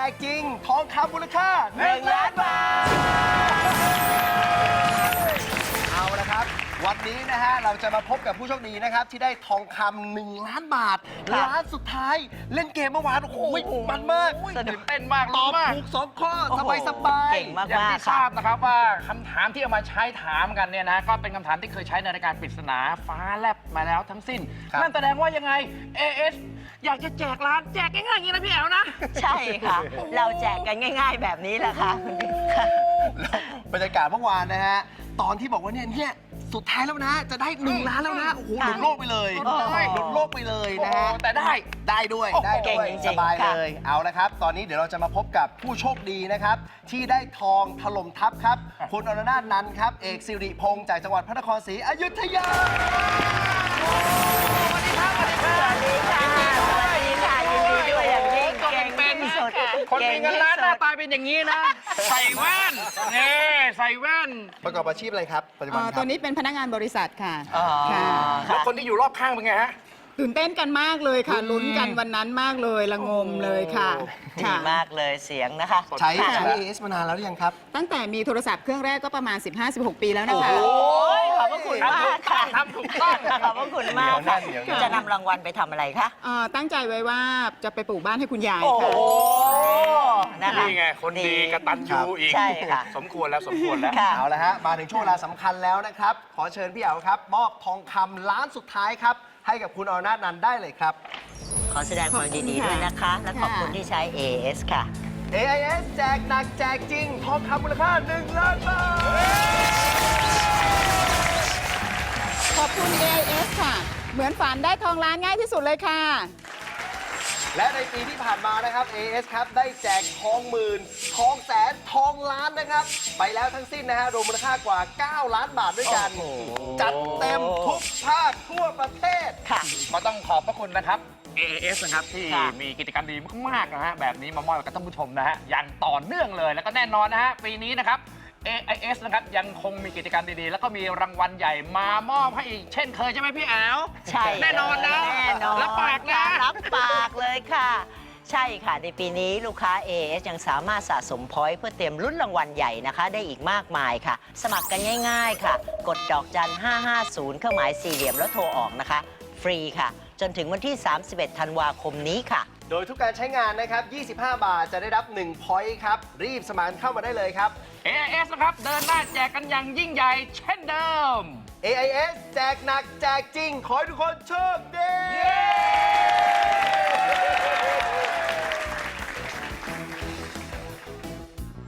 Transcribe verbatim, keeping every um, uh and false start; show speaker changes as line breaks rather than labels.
กจริงทองคำมูลค่าหนึ่งล้านบาทเอาละครับวันนี้นะฮะเราจะมาพบกับผู้โชคดีนะครับที่ได้ทองคำหนึ่งล้านบาทล้านสุดท้ายเล่นเกมเมื่อวานโอ้โหมันมาก
ตื่นเต้นมาก
ตอบ
มาก
ถูกสองข้อสบายสบาย
เก่งมาก
อย่าง
มาก
ที่ทราบนะครับว่าคำถามที่เอามาใช้ถามกันเนี่ยนะก็เป็นคำถามที่เคยใช้ในรายการปริศนาฟ้าแลบมาแล้วทั้งสิ้น นั่นแสดงว่ายังไง เอ เอส อยากจะแจกร้านแจกง่ายๆอย่างนี้นะพี่แอ๋วนะ
ใช่ค่ะ เราแจกกันง่าย ๆ แบบนี้แหละค่ะ
บรรยากาศเมื่อวานนะฮะตอนที่บอกว่าเนี่ยเนี่ยสุดท้ายแล้วนะ จะได้หนึ่งล้านแล้วนะโอ้โหหลุดโลกไปเลย
โอ้โห
หลุดโลกไปเลยนะฮะ
โอ้แต่ได้
ได้ด้วย
โอ้โห
ได้
เก่ง
ด้วย
จริงๆ
สบาย
ค่ะ
เลยเอาละครับ ตอนนี้เดี๋ยวเราจะมาพบกับผู้โชคดีนะครับ ที่ได้ทองถล่มทัพครับ คุณอรนาถนันท์ครับ เอกสิริพงษ์จากจังหวัดพระนครศรีอยุธยา
สวัสดีค่ะ สวัสดีค่ะ ยินดีด้วยอย่างยิ่งเก่งที่สุด
คนมีเงินล้านหน้าตาเป็นอย่างนี้นะ ใส่แว่นนี่ใส่แว่น
ประกอบอาชีพอะไรครับปัจจุบัน
เอ่อ
ค
ตั
รั
ว
บ
นี้เป็นพนักงานบริษัทค่ะ
อ๋อ
ค่ะ
แล้วคนที่อยู่รอบข้างเป็นไงฮะ
ตื่นเต้นกันมากเลยค่ะ ลุ้นกันวันนั้นมากเลยละงมเลยค่ะ
ดี
ค่ะ
มากเลยเสียงนะคะ
ใช้
ค่ะ
ใช้ เอ เอส มานานแล้วหรือยังครับ
ตั้งแต่มีโทรศัพท์เครื่องแรกก็ประมาณ สิบห้าสิบหก ปีแล้วนะคะ
โอ้ยขอบพระคุณมากค่ะ
ทำถูกต้อง
ขอบพระคุณมากค่ะ
เดี๋ยวนะเดี๋ยวนะ
จะนำรางวัลไปทำอะไรคะ
เอ่อตั้งใจไว้ว่าจะไปปลูกบ้านให้คุณยาย
โอ้โห
ค่ะ
นะคะ
นี่ไง คนดีกตัญญูอีก
ใช่ค่ะ
สมควรแล้วสมควรแล้ว
ค่ะ
เอาละฮะมาถึงช่วงเวลาสำคัญแล้วนะครับ ขอเชิญพี่เอ๋าครับ มอบทองคำล้านสุดท้ายครับ ให้กับคุณอรนาถนันท์ได้เลยครับ
ขอแสดงความยินดีด้วยนะคะ และขอบคุณที่ใช้ เอ เอส ค่ะ
เอ ไอ เอส แจกหนักแจกจริง ทองคำมูลค่าหนึ่งล้านบาท
ขอบคุณ เอ ไอ เอส ค่ะ เหมือนฝันได้ทองล้านง่ายที่สุดเลยค่ะ
และในปีที่ผ่านมานะครับ เอ เอส ครับได้แจกทองหมื่น ทองแสน ทองล้านนะครับ ไปแล้วทั้งสิ้นนะฮะรวมมูลค่ากว่า เก้า ล้านบาทด้วยกัน
โอ้โห
จัดเต็มทุกภาคทั่วประเทศ
ค่ะ
ก็ต้องขอบพระคุณนะครับ เอ เอส นะครับที่
ค่ะ
มีกิจกรรมดีมากๆนะฮะแบบนี้มามอบให้กับท่านผู้ชมนะฮะอย่างต่อเนื่องเลยแล้วก็แน่นอนนะฮะปีนี้นะครับ เอ ไอ เอส นะครับยังคงมีกิจกรรมดีๆ แล้วก็มีรางวัลใหญ่มามอบให้อีกเช่นเคยใช่ไหมพี่แอ๋ว
ใช่
แน่นอนนะ
แน่นอน
รับปากนะ
รับปากเลยค่ะ ใช่ค่ะ ในปีนี้ลูกค้า เอ เอส ยังสามารถสะสมพอยต์เพื่อเตรียมลุ้นรางวัลใหญ่นะคะ ได้อีกมากมายค่ะ สมัครกันง่ายๆค่ะ กดดอกจันห้าห้าศูนย์เครื่องหมายสี่เหลี่ยมแล้วโทรออกนะคะ ฟรีค่ะ จนถึงวันที่ สามสิบเอ็ด ธันวาคมนี้ค่ะ
โดยทุกการใช้งานนะครับ ยี่สิบห้า บาทจะได้รับหนึ่ง point ครับ รีบสมัครเข้ามาได้เลยครับ
เอ ไอ เอส นะครับเดินหน้าแจกกันอย่างยิ่งใหญ่เช่นเดิม
เอ ไอ เอส แจกหนักแจกจริง ขอให้ทุกคนโชคดี
เย้